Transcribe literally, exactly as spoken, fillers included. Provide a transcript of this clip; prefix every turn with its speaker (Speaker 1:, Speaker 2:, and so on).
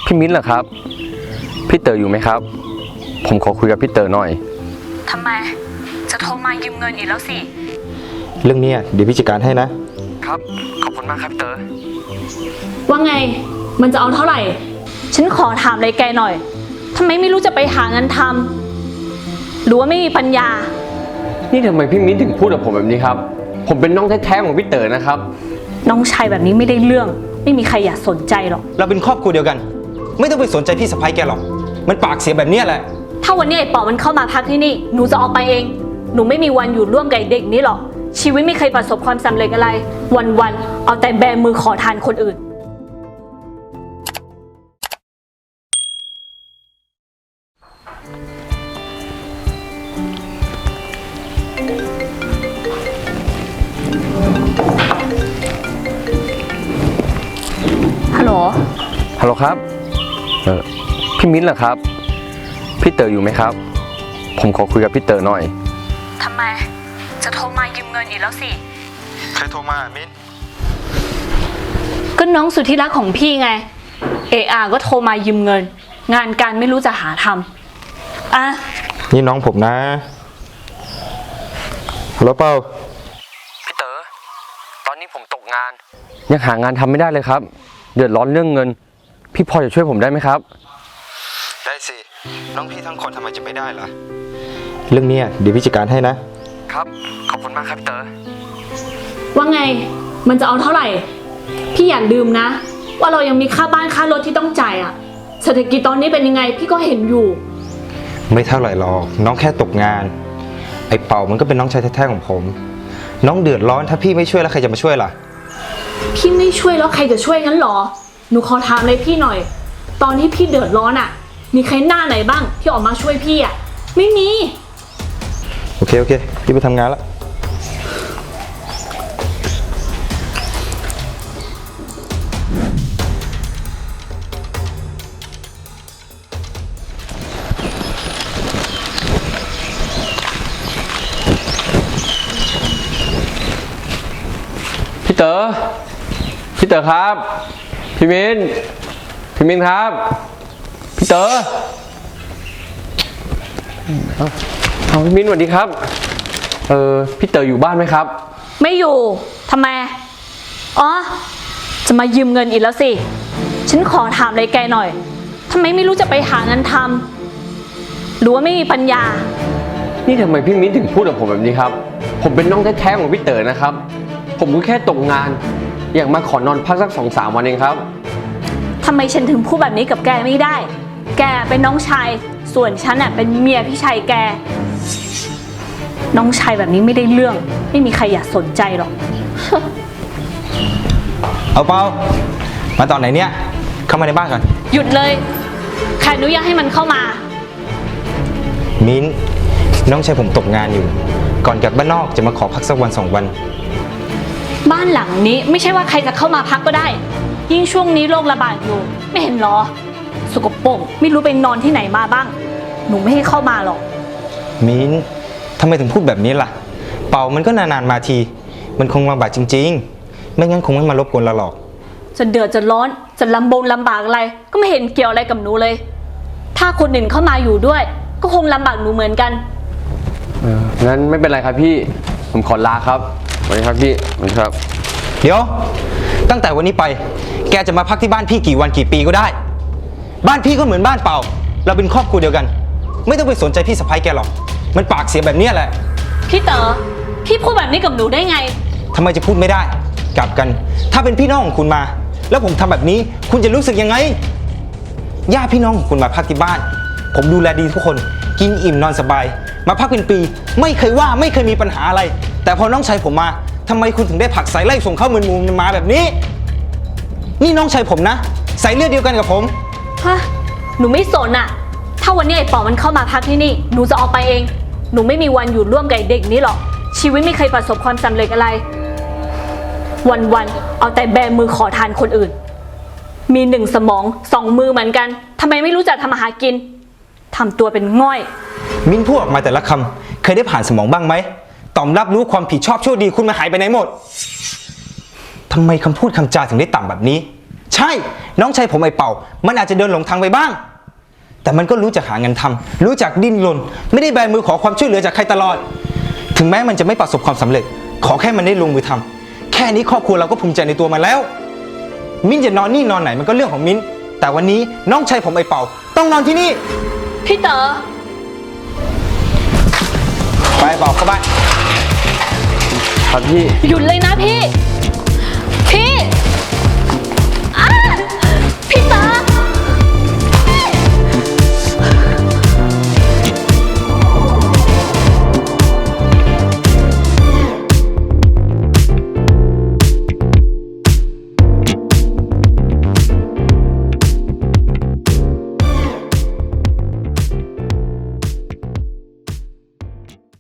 Speaker 1: พี่มิ้นเหรอครับพี่เต๋ออยู่ไหมครับผมขอคุยกับพี่เต๋อหน่อย
Speaker 2: ทำไมจะโทรมายืมเงินอีกแล้วสิ
Speaker 3: เรื่องนี้เดี๋ยวพี่จัดการให้นะครับ
Speaker 1: ขอบคุณมากครับพี่เต๋อ
Speaker 2: ว่าไงมันจะเอาเท่าไหร่ฉันขอถามอะไรแกหน่อยทำไมไม่รู้จะไปหางานทำหรือว่าไม่มีปัญญา
Speaker 1: นี่ทำไมพี่มิ้นถึงพูดกับผมแบบนี้ครับผมเป็นน้องแท้ๆของพี่เต๋อนะครับ
Speaker 2: น้องชายแบบนี้ไม่ได้เรื่องไม่มีใครอยากสนใจหรอก
Speaker 3: เราเป็นครอบครัวเดียวกันไม่ต้องไปสนใจพี่สะใภ้แกหรอกมันปากเสียแบบนี้แหละ
Speaker 2: ถ้าวันนี้ไอ้ป๋อมันเข้ามาพักที่นี่หนูจะออกไปเองหนูไม่มีวันอยู่ร่วมกับเด็กนี้หรอกชีวิตไม่เคยประสบความสำเร็จอะไรวันๆเอาแต่แบมือขอทานคนอื่นฮัลโหล
Speaker 1: ฮัลโหลครับเออพี่มิ้นเหรอครับพี่เต๋ออยู่ไหมครับผมขอคุยกับพี่เต๋อหน่อย
Speaker 2: ทำไมจะโทรมายืมเงินอีกแล้วสิ
Speaker 3: ใครโทรมามิ้น
Speaker 2: ก็น้องสุดที่รักของพี่ไงเออาก็โทรมายืมเงินงานการไม่รู้จะหาทำอ่ะ
Speaker 3: นี่น้องผมนะฮัลโหลเปา
Speaker 1: พี่เต๋อตอนนี้ผมตกงานยังหางานทำไม่ได้เลยครับเดือดร้อนเรื่องเงินพี่พอจะช่วยผมได้ไหมครับ
Speaker 3: ได้สิน้องพี่ทั้งคนทำไมจะไม่ได้ล่ะเรื่องนี้เดี๋ยวพี่จัดการให้นะครับ
Speaker 1: ขอบคุณมากครับพี่เต๋อ
Speaker 2: ว่าไงมันจะเอาเท่าไหร่พี่อย่าลืมนะว่าเรายังมีค่าบ้านค่ารถที่ต้องจ่ายอะเศรษฐกิจตอนนี้เป็นยังไงพี่ก็เห็นอยู่
Speaker 3: ไม่เท่าไหร่หรอกน้องแค่ตกงานไอ้เป่ามันก็เป็นน้องชายแท้ๆของผมน้องเดือดร้อนถ้าพี่ไม่ช่วยแล้วใครจะมาช่วยล่ะ
Speaker 2: พี่ไม่ช่วยแล้วใครจะช่วยงั้นหรอหนูขอถามเลยพี่หน่อยตอนที่พี่เดือดร้อนอะมีใครหน้าไหนบ้างที่ออกมาช่วยพี่อะไม่มี
Speaker 3: โอเคโอเคพี่ไปทำงานแล้ว
Speaker 1: พี่เต๋อพี่เต๋อครับพี่มิ้นพี่มิ้นครับพี่เต๋อเอาพี่มิ้นสวัสดีครับเออพี่เต๋ออยู่บ้านไหมครับ
Speaker 2: ไม่อยู่ทำไมอ๋อจะมายืมเงินอีกแล้วสิฉันขอถามอะไรแกหน่อยทำไมไม่รู้จะไปหางานทำหรือว่าไม่มีปัญญา
Speaker 1: นี่ทำไมพี่มิ้นถึงพูดกับผมแบบนี้ครับผมเป็นน้องแท้ๆของพี่เต๋อนะครับผมก็แค่ตกงานอยากมาขอนอนพักสักสองสามวันเองครับ
Speaker 2: ทำไมฉันถึงพูดแบบนี้กับแกไม่ได้แกเป็นน้องชายส่วนฉันน่ะเป็นเมียพี่ชายแกน้องชายแบบนี้ไม่ได้เรื่องไม่มีใครอยากสนใจหรอก
Speaker 3: เอาเปล่ามาตอนไหนเนี่ยเข้ามาในบ้านก่อน
Speaker 2: หยุดเลยใครอนุญาตให้มันเข้ามา
Speaker 3: มิ้นน้องชายผมตกงานอยู่ก่อนกลับบ้านนอกจะมาขอพักสักวันสองวัน
Speaker 2: บ้านหลังนี้ไม่ใช่ว่าใครจะเข้ามาพักก็ได้ยิ่งช่วงนี้โรคระบาดอยู่ไม่เห็นหรอสกปรกไม่รู้ไปนอนที่ไหนมาบ้างหนูไม่ให้เข้ามาหรอก
Speaker 3: มิ้นทำไมถึงพูดแบบนี้ล่ะเป่ามันก็นานๆมาทีมันคงลำบากจริงๆไม่งั้นคงไม่มารบกวนเราหรอก
Speaker 2: จะเดือดจะร้อนจะลำบงลำบากอะไรก็ไม่เห็นเกี่ยวอะไรกับหนูเลยถ้าคนอื่นเข้ามาอยู่ด้วยก็คงลำบากหนูเหมือนกัน
Speaker 1: เอองั้นไม่เป็นไรครับพี่ผมขอลาครับสวัสดีครับพี่สวัสดีครับ
Speaker 3: เดี๋ยวตั้งแต่วันนี้ไปแกจะมาพักที่บ้านพี่กี่วันกี่ปีก็ได้บ้านพี่ก็เหมือนบ้านเป่าเราเป็นครอบครัวเดียวกันไม่ต้องไปสนใจพี่สะใภ้แกหรอกมันปากเสียแบบนี้แหละ
Speaker 2: พี่เต๋อพี่พูดแบบนี้กับหนูได้ไง
Speaker 3: ทำไมจะพูดไม่ได้กลับกันถ้าเป็นพี่น้องของคุณมาแล้วผมทำแบบนี้คุณจะรู้สึกยังไงญาติพี่น้องของคุณมาพักที่บ้านผมดูแลดีทุกคนกินอิ่มนอนสบายมาพักเป็นปีไม่เคยว่าไม่เคยมีปัญหาอะไรแต่พอน้องชายผมมาทำไมคุณถึงได้ผลักสายไล่ส่งเข้ามือมุมมาแบบนี้นี่น้องชายผมนะสายเลือดเดียวกันกับผม
Speaker 2: ฮะหนูไม่สนอะถ้าวันนี้ไอ้ป๋อมันเข้ามาพักที่นี่หนูจะออกไปเองหนูไม่มีวันอยู่ร่วมกับเด็กนี้หรอกชีวิตไม่เคยประสบความสำเร็จอะไรวันๆเอาแต่แบมือขอทานคนอื่นมีหนึ่งสมองสองมือเหมือนกันทำไมไม่รู้จักทำอาหารกินทำตัวเป็นง่อย
Speaker 3: มิ้นพูดออกมาแต่ละคำเคยได้ผ่านสมองบ้างไหมต่อมรับรู้ความผิดชอบชั่วดีคุณมาหายไปไหนหมดทำไมคำพูดคำจาถึงได้ต่ำแบบนี้ใช่ น้องชายผมไอ้เป่า มันอาจจะเดินหลงทางไปบ้าง แต่มันก็รู้จักหาเงินทำรู้จักดิ้นรนไม่ได้แบมือขอความช่วยเหลือจากใครตลอด ถึงแม้มันจะไม่ประสบความสำเร็จ ขอแค่มันได้ลงมือทำแค่นี้ครอบครัวเราก็ภูมิใจในตัวมันแล้ว มิ้นจะนอนนี่นอนไหนมันก็เรื่องของมิ้นแต่วันนี้น้องชายผมไอ้เป่า ต้องนอนที่นี่
Speaker 2: พี่เต๋อ
Speaker 3: ไปเป่าเข้าบ้าน
Speaker 1: ครับพี่
Speaker 2: หยุดเลยนะพี่